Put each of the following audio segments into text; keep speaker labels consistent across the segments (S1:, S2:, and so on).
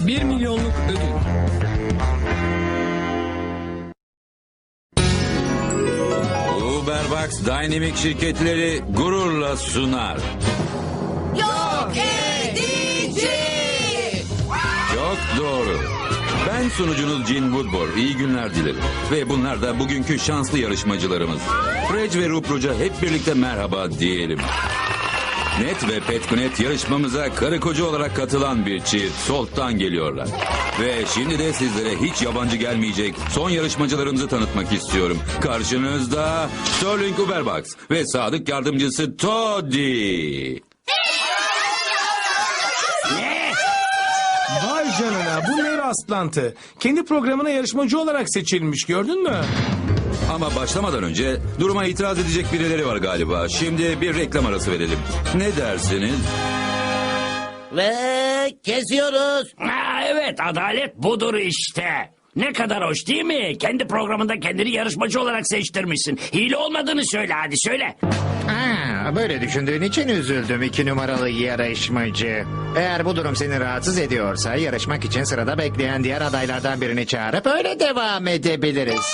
S1: 1 milyonluk ödül.
S2: Uberbox Dynamic şirketleri gururla sunar.
S3: Yok edici.
S2: Çok doğru. Ben sunucunuz Gene Woodward. İyi günler dilerim. Ve bunlar da bugünkü şanslı yarışmacılarımız. Fred ve Rupruca hep birlikte merhaba diyelim. Net ve Petkunet yarışmamıza karı koca olarak katılan bir çift. Solt'tan geliyorlar. Ve şimdi de sizlere hiç yabancı gelmeyecek son yarışmacılarımızı tanıtmak istiyorum. Karşınızda Sterling Uberbox ve sadık yardımcısı Toddy.
S4: Vay canına, bu ne rastlantı. Kendi programına yarışmacı olarak seçilmiş, gördün mü?
S2: Ama başlamadan önce duruma itiraz edecek birileri var galiba. Şimdi bir reklam arası verelim. Ne dersiniz?
S3: Ve kesiyoruz.
S5: Evet, adalet budur işte. Ne kadar hoş değil mi? Kendi programında kendini yarışmacı olarak seçtirmişsin. Hile olmadığını söyle, hadi söyle.
S6: Böyle düşündüğün için üzüldüm 2 numaralı yarışmacı. Eğer bu durum seni rahatsız ediyorsa yarışmak için sırada bekleyen diğer adaylardan birini çağırıp öyle devam edebiliriz.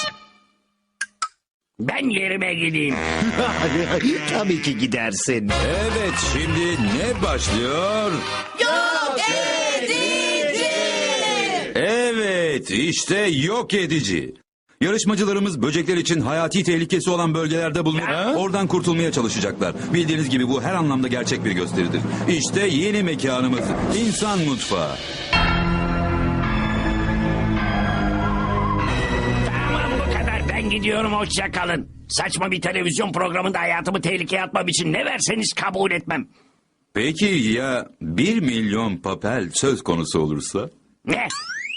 S5: Ben yerime gideyim.
S6: Tabii ki gidersin.
S2: Evet, şimdi ne başlıyor?
S3: Yok edici.
S2: Evet, işte yok edici. Yarışmacılarımız böcekler için hayati tehlikesi olan bölgelerde bulunup oradan kurtulmaya çalışacaklar. Bildiğiniz gibi bu her anlamda gerçek bir gösteridir. İşte yeni mekanımız, İnsan Mutfağı.
S5: Tamam, bu kadar. Ben gidiyorum, hoşça kalın. Saçma bir televizyon programında hayatımı tehlikeye atmam için ne verseniz kabul etmem.
S2: Peki ya 1 milyon papel söz konusu olursa?
S5: Ne?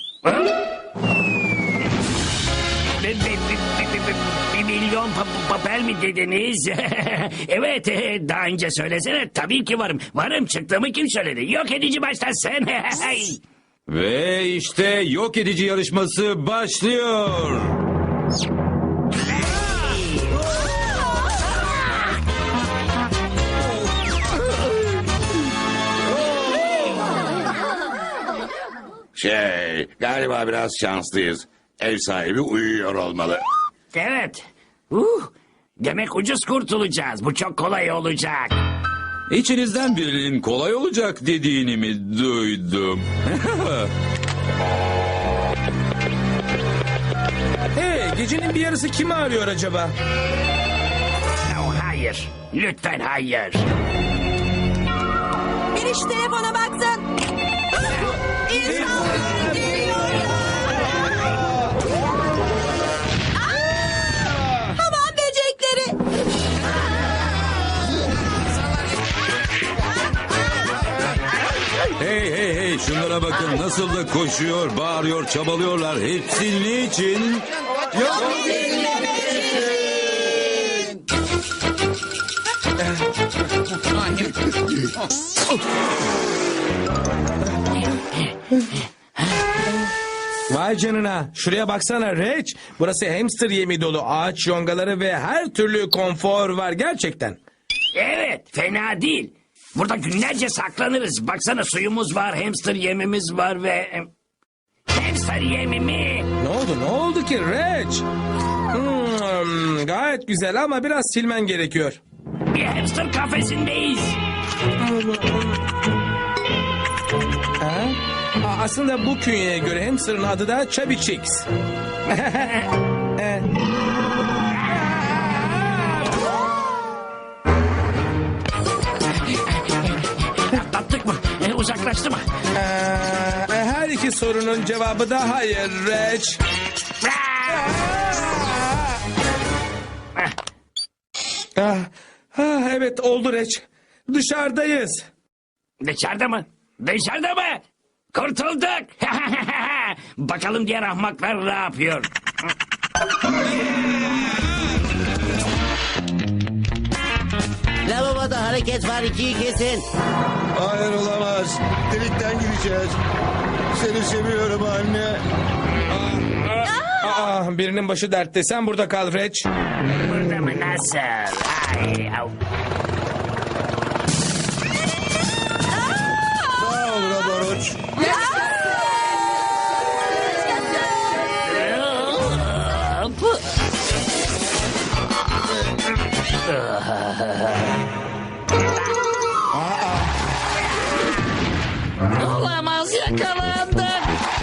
S5: Bir milyon papel mi dediniz? Evet, daha önce söylesene. Tabii ki varım. Varım, çıktığımı kim söyledi? Yok edici başlasın.
S2: Ve işte yok edici yarışması başlıyor.
S7: Galiba biraz şanslıyız. Ev sahibi uyuyor olmalı.
S5: Evet. Demek ucuz kurtulacağız. Bu çok kolay olacak.
S2: İçinizden birinin kolay olacak dediğini mi duydum?
S4: Hey, gecenin bir yarısı kimi arıyor acaba?
S5: Hayır. Lütfen hayır.
S3: Bir iş telefona baksın. İnsan geliyor. Hamam böcekleri.
S2: Hey hey hey, şunlara bakın, nasıl da koşuyor, bağırıyor, çabalıyorlar. Hepsi niçin? Yok
S4: Vay canına, şuraya baksana Reç. Burası hamster yemi dolu, ağaç yongaları ve her türlü konfor var gerçekten.
S5: Evet, fena değil. Burada günlerce saklanırız. Baksana, suyumuz var, hamster yemimiz var ve... Hamster yemi mi?
S4: Ne oldu ki Reç? Gayet güzel ama biraz silmen gerekiyor.
S5: Bir hamster kafesindeyiz.
S4: Aslında bu künyeye göre hamsterın adı da Chubby Cheeks.
S5: Atlattık mı? Uzaklaştı mı?
S4: Her iki sorunun cevabı da hayır Reç. Evet oldu Reç. Dışarıdayız.
S5: Dışarıda mı? Dışarıda mı? Kurtulduk. Bakalım diğer ahmaklar ne yapıyor?
S3: Lavaboda hareket var, 2'yi kesin.
S7: Hayır, olamaz. Delikten gireceğiz. Seni seviyorum anne.
S4: Birinin başı dertte. Sen burada kal Reç.
S5: Burada mı? Nasıl? Ay, au.
S7: Sağ ol Roboroç.
S6: Olamaz, yakalandık.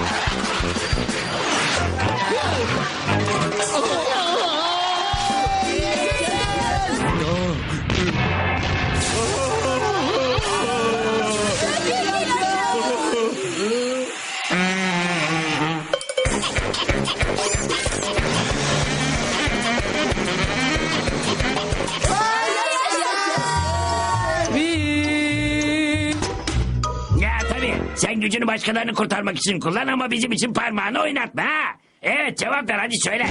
S5: Ya tabii sen gücünü başkalarını kurtarmak için kullan ama bizim için parmağını oynatma ha. Evet cevap ver hadi söyle.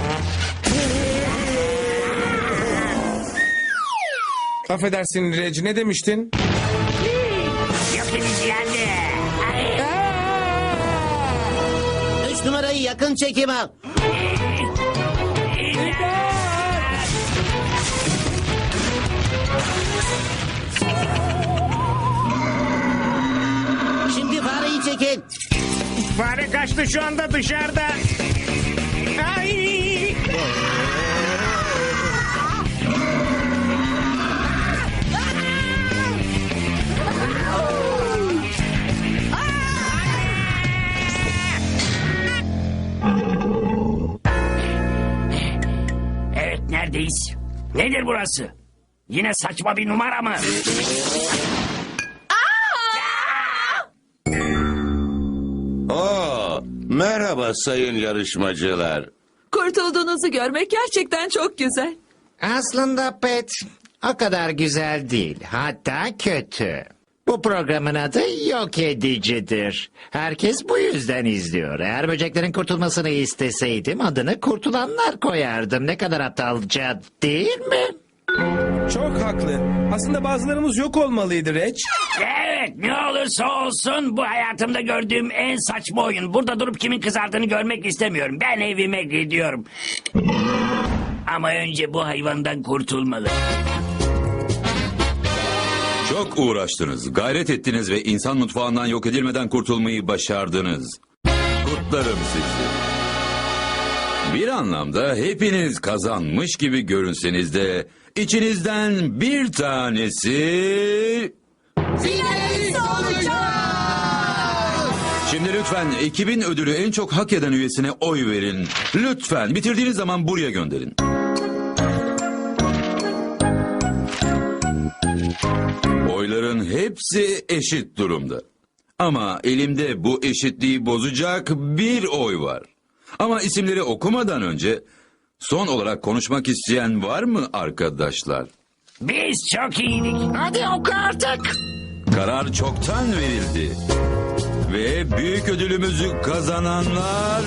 S4: Affedersin Reg, ne demiştin?
S5: Yok edici geldi. Ay.
S3: 3 numarayı yakın çekim al. Şimdi fareyi çekin.
S6: Fare kaçtı, şu anda dışarıda. Ay!
S5: Evet neredeyiz? Nedir burası? Yine saçma bir numara mı?
S7: Merhaba sayın yarışmacılar.
S1: Kurtulduğunuzu görmek gerçekten çok güzel.
S6: Aslında Pet o kadar güzel değil, hatta kötü. Bu programın adı Yok Edicidir. Herkes bu yüzden izliyor. Eğer böceklerin kurtulmasını isteseydim adını Kurtulanlar koyardım. Ne kadar aptalca değil mi?
S4: Çok haklı. Aslında bazılarımız yok olmalıydı Reg.
S5: Evet ne olursa olsun bu hayatımda gördüğüm en saçma oyun. Burada durup kimin kızardığını görmek istemiyorum. Ben evime gidiyorum. Ama önce bu hayvandan kurtulmalı.
S2: Çok uğraştınız, gayret ettiniz ve insan mutfağından yok edilmeden kurtulmayı başardınız. Kutlarım sizi. Bir anlamda hepiniz kazanmış gibi görünseniz de içinizden bir tanesi... Şimdi lütfen ekibin ödülü en çok hak eden üyesine oy verin. Lütfen bitirdiğiniz zaman buraya gönderin. Oyların hepsi eşit durumda. Ama elimde bu eşitliği bozacak bir oy var. Ama isimleri okumadan önce son olarak konuşmak isteyen var mı arkadaşlar?
S5: Biz çok iyiydik.
S6: Hadi oku artık.
S2: Karar çoktan verildi. Ve büyük ödülümüzü kazananlar...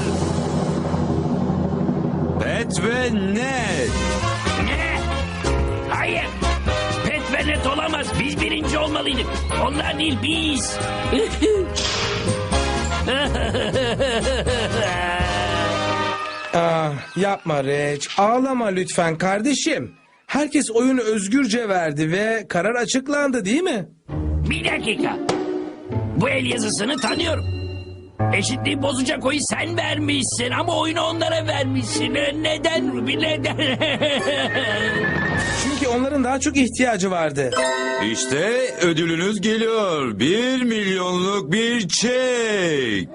S2: Pet ve Ned.
S5: Ne? Hayır. Pet ve net olamaz. Biz birinci olmalıydık. Onlar değil biz.
S4: Yapma Reg, ağlama lütfen kardeşim. Herkes oyunu özgürce verdi ve karar açıklandı değil mi?
S5: Bir dakika. Bu el yazısını tanıyorum. Eşitliği bozacak oyu sen vermişsin ama oyunu onlara vermişsin. Neden Ruby neden?
S4: Çünkü onların daha çok ihtiyacı vardı.
S2: İşte ödülünüz geliyor. 1 milyonluk bir çek.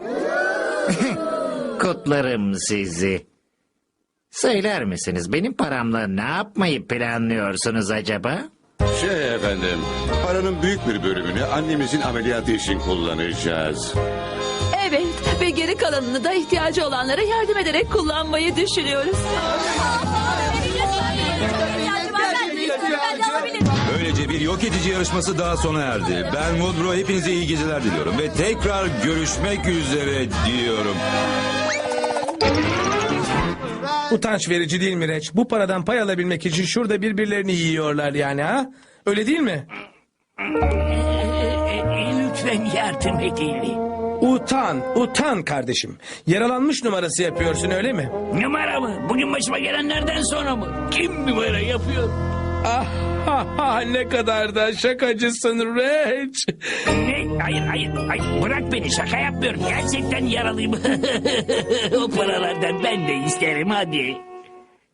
S6: Kutlarım sizi. Söyler misiniz benim paramla ne yapmayı planlıyorsunuz acaba?
S7: Efendim, paranın büyük bir bölümünü annemizin ameliyatı için kullanacağız.
S1: Evet ve geri kalanını da ihtiyacı olanlara yardım ederek kullanmayı düşünüyoruz.
S2: Böylece bir yok edici yarışması daha sona erdi. Ben Woodrow, hepinize iyi geceler diliyorum. Ve tekrar görüşmek üzere diyorum.
S4: Utanç verici değil mi Reg? Bu paradan pay alabilmek için şurada birbirlerini yiyorlar yani ha? Öyle değil mi?
S5: Lütfen yardım edin.
S4: Utan kardeşim. Yaralanmış numarası yapıyorsun öyle mi?
S5: Numara mı? Bugün başıma gelenlerden sonra mı? Kim numara yapıyor?
S4: Ne kadar da şakacısın Reg.
S5: Ne? Hayır. Bırak beni şaka yapmıyorum. Gerçekten yaralıyım. O paralardan ben de isterim hadi.